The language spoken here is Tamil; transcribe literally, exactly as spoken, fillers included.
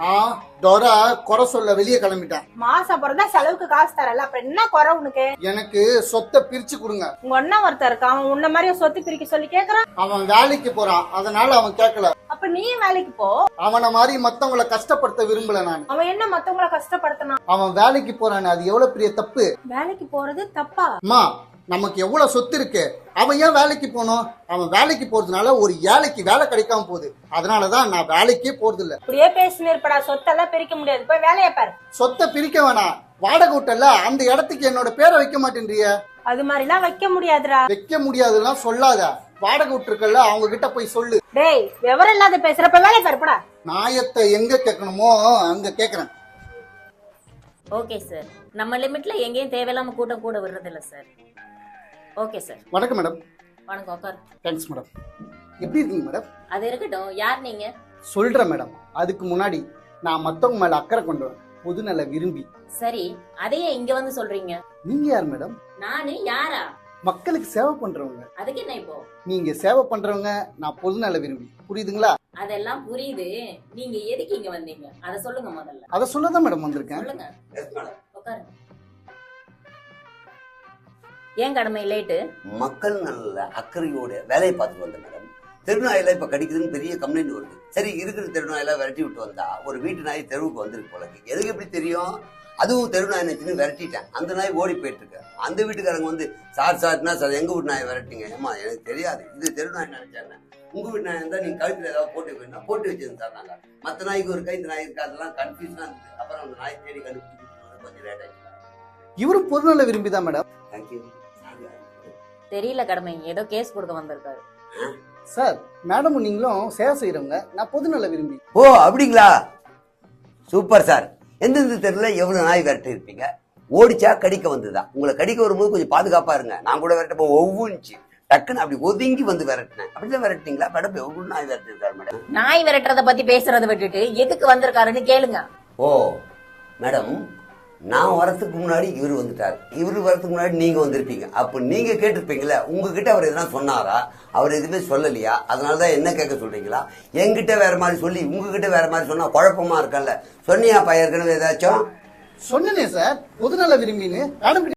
ஆ டோரா குறை சொல்ல வெளியே கிளம்பிட்டான். மாசம் பிறந்தா செலவுக்கு காசு தரல, அப்ப என்ன குறை உனக்கு? எனக்கு சொத்தை பிரிச்சு கொடுங்க. உங்க அண்ணா ஒருத்தர் இருக்கான், அவன் உன்ன மாதிரி சொத்து பிரிக்க சொல்லி கேக்குறான். அவன் வேலைக்கு போறான், அதனால அவன் கேட்கல. அப்ப நீ வேலைக்கு போ. அவனை மாதிரி மத்தவங்களை கஷ்டப்படுத்த விரும்பல நான். அவன் என்ன மத்தவங்களை கஷ்டப்படுத்தினான்? அவன் வேலைக்கு போறானே, அது எவ்வளவு பெரிய தப்பு. வேலைக்கு போறது தப்பா? அம்மா, நமக்கு எவ்வளவு சொத்து இருக்கு, அவன் ஏன் வேலைக்கு போனோம்? அவன் வேலைக்கு போறதுனால ஒரு ஏழைக்கு வேலை கிடைக்காம போகுது. அதனாலதான் நான் வேலைக்கே போறது இல்ல. அப்படியே பேசினு இருப்படா, சொத்தெல்லாம் பிரிக்க முடியாது, போய் வேலையை பாரு. சொத்தை பிரிக்க வேணாம், வாடகை விட்டல அந்த இடத்துக்கு என்னோட பேரை வைக்க மாட்டேன்றிய. அது மாதிரி எல்லாம் வைக்க முடியாதுடா. வைக்க முடியாதுன்னா சொல்லாத, வாடகை விட்டுருக்கல அவங்க கிட்ட போய் சொல்லு. டேய், விவரம் இல்லாத பேசுறப்ப வேலையை பாருப்படா. நாயத்தை எங்க கேட்கணுமோ அங்க கேக்குறேன். ஓகே சார், நம்ம லிமிட்ல எங்கேயும் தேவையில்லாம கூட்டம் கூட விடுறது இல்ல சார். Okay sir. வணக்கம் மேடம். வணக்கம், உட்கார். Thanks madam. எப்படி இருக்கீங்க மேடம்? அது இருக்கட்டும், யார் நீங்க? சொல்றேன் மேடம். அதுக்கு முன்னாடி நான் மத்தவங்க மேல அக்கறை கொண்டவன், பொதுநல விரும்பி. சரி, அதையே இங்க வந்து சொல்றீங்க? நீங்க யார் மேடம்? நானு யாரா? மக்களுக்கு சேவை பண்றவங்க. அதுக்கு என்ன இப்போ? நீங்க சேவை பண்றவங்க, நான் பொதுநல விரும்பி. புரியுதுங்களா? அதெல்லாம் புரியுது. நீங்க எதுக்கு இங்க வந்தீங்க அத சொல்லுங்க முதல்ல. அத சொல்லதான் மேடம் வந்திருக்கேன். சொல்லுங்க. உட்காருங்க. ஏன் கடமை லேட்டு? மக்கள் நல்ல அக்கறையோட வேலையை பார்த்துட்டு வந்தேன் மேடம். தெருநாயில இப்ப கடிக்குதுன்னு பெரிய கம்ப்ளைண்ட் வருது. சரி, இருக்கிற தெருநாயில விரட்டி விட்டு வந்தா ஒரு வீட்டு நாய் தெருவுக்கு வந்திருக்கு போல. எதுக்கு எப்படி தெரியும்? அதுவும் தெருநாய் நினைச்சுன்னு விரட்டிட்டேன். அந்த நாய் ஓடி போயிட்டு இருக்கு. அந்த வீட்டுக்காரங்க வந்து சார் சார்னா சார் எங்க வீட்டு நாயை விரட்டிங்க. ஏமா எனக்கு தெரியாது, இது தெருநாய் நினைச்சாங்க. உங்க வீட்டு நாய் இருந்தா நீங்க கழுத்துல ஏதாவது போட்டு வைக்கணும், போட்டு வச்சிருந்து சார். நாங்க மற்ற நாய்க்கு ஒரு கை, இந்த நாய் இருக்கு, அதெல்லாம் கன்ஃபியூஷனா இருந்தது. அப்புறம் அந்த நாய் தேடி கண்டுபிடிச்சு கொஞ்சம் லேட் ஆயிடுச்சு. இவரும் பொதுநல விரும்பிதான் மேடம். தேங்க்யூ. தெரியல கடமை, ஏதோ கேஸ் கொடுக்க வந்திருக்காரு சார். மேடமும் நீங்களும் சேவை செய்யறவங்க, நான் பொதுநல விரும்பி. ஓ அப்படிங்களா? Super sir. எந்தெந்த தெருல எவ்வளவு நாய் விரட்டி இருப்பீங்க? ஓடிச்சா கடிக்க வந்துதான்? உங்களை கடிக்க வரும்போது கொஞ்சம் பாதுகாப்பா இருங்க. நான் கூட விரட்டப்போ ஒவ்வொன்றுச்சு டக்குன்னு அப்படி ஒதுங்கி வந்து விரட்டினேன். அப்படிதான் விரட்டிங்களா மேடம்? எவ்வளவு நாய் விரட்டிருக்காரு மேடம்? நாய் விரட்டுறத பத்தி பேசுறத விட்டுட்டு எதுக்கு வந்திருக்காருன்னு கேளுங்க. ஓ மேடம், நான் வரத்துக்கு முன்னாடி இவரு வந்துட்டாரு, இவரு வரத்துக்கு முன்னாடி நீங்க வந்திருப்பீங்க. அப்ப நீங்க கேட்டிருப்பீங்களா? உங்ககிட்ட அவர் எதனா சொன்னாரா? அவர் எதுவுமே சொல்லலையா? அதனாலதான் என்ன கேட்க சொல்றீங்களா? என்கிட்ட வேற மாதிரி சொல்லி உங்ககிட்ட வேற மாதிரி சொன்னா குழப்பமா இருக்கல்ல. சொன்னியா பையன் ஏதாச்சும்? சொன்னேனே சார், பொதுநல விரும்பின்னு. மேடம்